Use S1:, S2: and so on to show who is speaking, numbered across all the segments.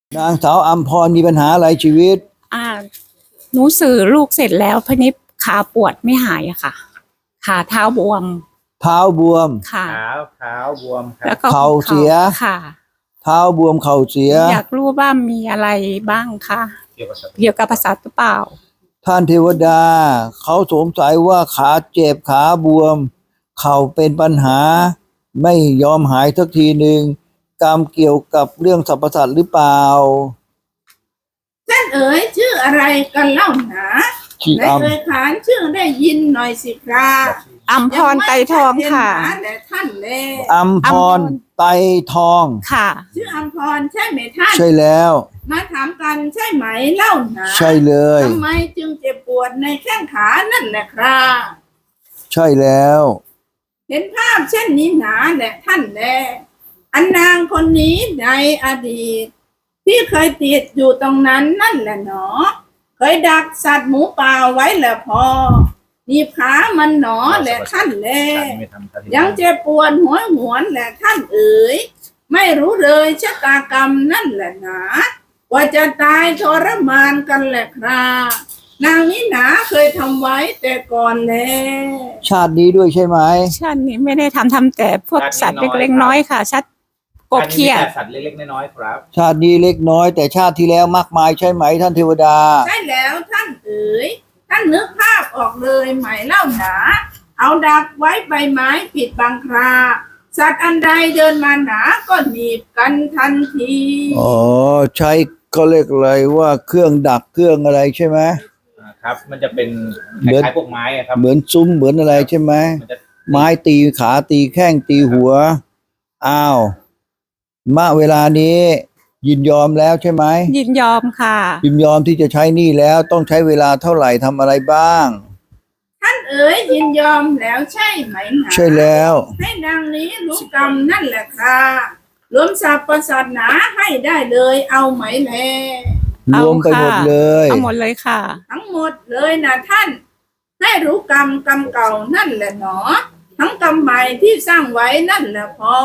S1: นางสาวอัมพรมีปัญหาอะไรชีวิต
S2: อ่าหนูสื่อลูกเสร็จแล้วพนิษขาปวดไม่หายอะค่ะขาเท้าบวม
S1: เท้าบวม
S2: ค่ะ
S3: เท้าบวมครั
S2: แล้ว
S3: บ
S2: ก็
S1: เข่าเสีย
S2: ค่ะ
S1: เท้าบวมเข่าเสีย
S2: อยากรู้ว่ามีอะไรบ้างคะ
S3: เกี่ยวกับสัตว์
S2: เกี่ยวกับประสาทหรือเปล่า
S1: ท่านเทวดาเขาสงสัยว่าขาเจ็บขาบวมเข่าเป็นปัญหาไม่ยอมหายสักทีหนึ่งกรรมเกี่ยวกับเรื่องสรรพสัตว์หรือเปล่า
S4: ท่านเอ๋ยชื่ออะไรกันเล่าหนาในเอ่ยขานชื่อได้ยินหน่อยสิครับ
S2: อัมพรไตรทองค่ะ
S4: แต่ท่านแล
S1: อัมพรไตรทอง
S2: ค่ะ
S4: ชื่ออัมพรใช่ไหมท่าน
S1: ใช่แล้ว
S4: มาถามกันใช่ไหมเล่าหนา
S1: ใช่เลย
S4: ทำไมจึงเจ็บปวดในแข้งขานั่นแหละครับ
S1: ใช่แล้ว
S4: เห็นภาพเช่นนี้หนาแหละท่านแลอันนางคนนี้ในอดีตที่เคยติดอยู่ตรงนั้นนั่นแหละหนอเคยดักสัตว์หมูป่าไว้แหละพอหนีบขามันหนอแหละท่านแลยังเจ็บปวดหัวหวนแหละท่านเอ๋ยไม่รู้เลยชะตากรรมนั่นแหละหนาว่าจะตายทรมานกันแหละครับนางนี้หนาเคยทำไว้แต่ก่อนแล้ว
S1: ชาตินี้ด้วยใช่ไหม
S2: ชาตินี้ไม่ได้ทำแต่พวกสัตว์เล็กๆน้อยๆค่ะชัดกบเขียด
S3: สัตว์เล็กๆน้อยๆครับ
S1: ชาตินี้เล็กน้อยแต่ชาติที่แล้วมากมายใช่ไหมท่านเทวดา
S4: ใช่แล้วท่านเอ๋ยท่านนึกภาพออกเลยไหมเล่าหนาเอาดักไว้ใบไม้ปิดบังคราสัตว์อันใดเดินมาหนาก็หนีบกันทันที
S1: อ๋อใช้ก็เรียกอะไรว่าเครื่องดักเครื่องอะไรใช่ไหม
S3: ครับมันจะเป็นคล้ายๆพวกไม้ครับ
S1: เหมือนซุ้มเหมือนอะไรใช่ไหมไม้ตีขาตีแข้งตีหัวอ้าวณเวลานี้ยินยอมแล้วใช่ไหม
S2: ยินยอมค่ะ
S1: ยินยอมที่จะใช้หนี้แล้วต้องใช้เวลาเท่าไหร่ทำอะไรบ้าง
S4: ท่านเอ๋ยยินยอมแล้วใช่ไหมหนา
S1: ใช่แล้ว
S4: ให้นางนี้รู้กรรมนั่นแหละค่ะรวมสรรพสัตว์หนาให้ได้เลยเอาไหมแล
S1: รวมไปหมดเลย
S2: เอาหมดเลยค่ะ
S4: ทั้งหมดเลยนะท่านให้รู้กรรมเก่านั่นแหละหนอทั้งกรรมใหม่ที่สร้างไว้นั่นแหละพอ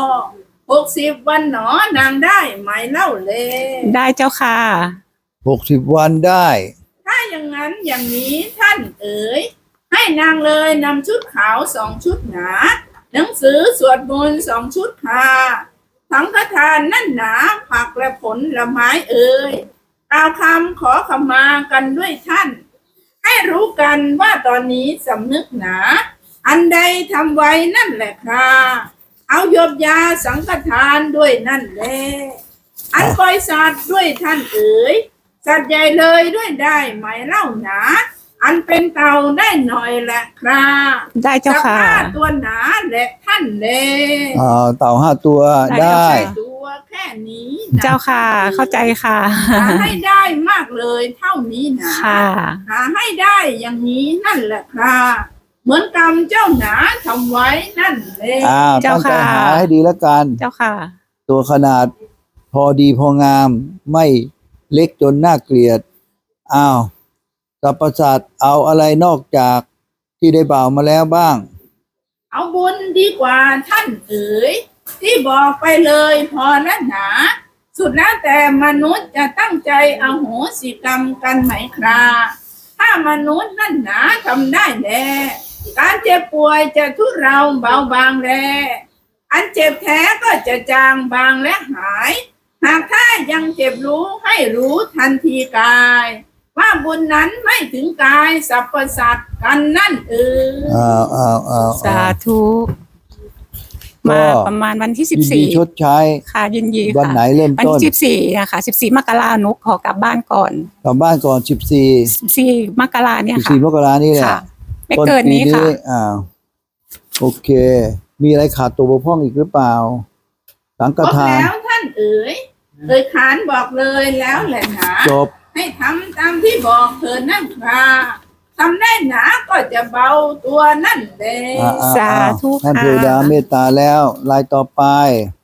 S4: 60 วันหนอนางได้ไหมเล่าเลย
S2: ได้เจ้าค่ะ
S1: 60 วันได้
S4: ถ้าอย่างนั้นอย่างนี้ท่านเอ๋ยให้นางเลยนำชุดขาว2 ชุดหนาหนังสือสวดมนต์2 ชุดค่ะสังฆทานนั่นหนาผักและผลไม้เอ๋ยกล่าวคำขอขมากันด้วยท่านให้รู้กันว่าตอนนี้สำนึกหนาอันใดทำไว้นั่นแหละค่ะเอายบยาสังฆทานด้วยนั่นแหละอันปล่อยสัตว์ด้วยท่านเอ๋ยสัตว์ใหญ่เลยด้วยได้ไหมเล่าหนาอันเป็นเต่าได้หน่อยแหละครับ
S2: ได้เจ้าค่ะ
S4: 5 ตัวหนาแหละท่านแล
S1: เต่า5 ตัวได้
S4: ตัวแค่นี้
S2: เจ้าค่ะเข้าใจค่ะ
S4: หาให้ได้มากเลยเท่านี้นะหาให้ได้อย่างนี้นั่นแหละครับเหมือนกรรมเจ้าหนาทำไว้นั่นเลย
S1: เจ้าค่ะหาให้ดีแล้วกัน
S2: เจ้าค่ะ
S1: ตัวขนาดพอดีพองามไม่เล็กจนน่าเกลียดสรรพสัตว์เอาอะไรนอกจากที่ได้บ่าวมาแล้วบ้าง
S4: เอาบุญดีกว่าท่านเอ๋ยที่บอกไปเลยพอแล้วหนาสุดแล้วแต่มนุษย์จะตั้งใจอโหสิกรรมกันไหมครับถ้ามนุษย์นั่นหนาทำได้แน่การเจ็บป่วยจะทุเราเบาบางแลอันเจ็บแท้ก็จะจางบางและหายหากถ้ายังเจ็บรู้ให้รู้ทันทีกายว่าบุญนั้นไม่ถึงกายสรรพสัตว์กันนั่น
S2: สาธุมาประมาณวันที่14
S1: ชดใช้
S2: ค่ะยินดีค่ะ
S1: วันไหนเริ่มต้น
S2: วันที่14นะคะ14 มกรานุขอกลับบ้านก่อน14 มกราเนี่ยค่ะ
S1: 14 มกรานี่แหละ
S2: ไม่เกินนี้ค่ะ
S1: โอเคมีอะไรขาดตัวบกพร่องอีกหรือเปล่าสังฆทาน
S4: แล้วท่านเอ๋ยขานบอกเลยแล้วแหละหนา
S1: จบ
S4: ให้ทำตามที่บอกเธอนั่นครับทำได้หนาก็จะเบาตัวนั่นเอง
S2: สาธุค่ะ
S1: ท่านเทวดาเมตตาแล้วรายต่อไป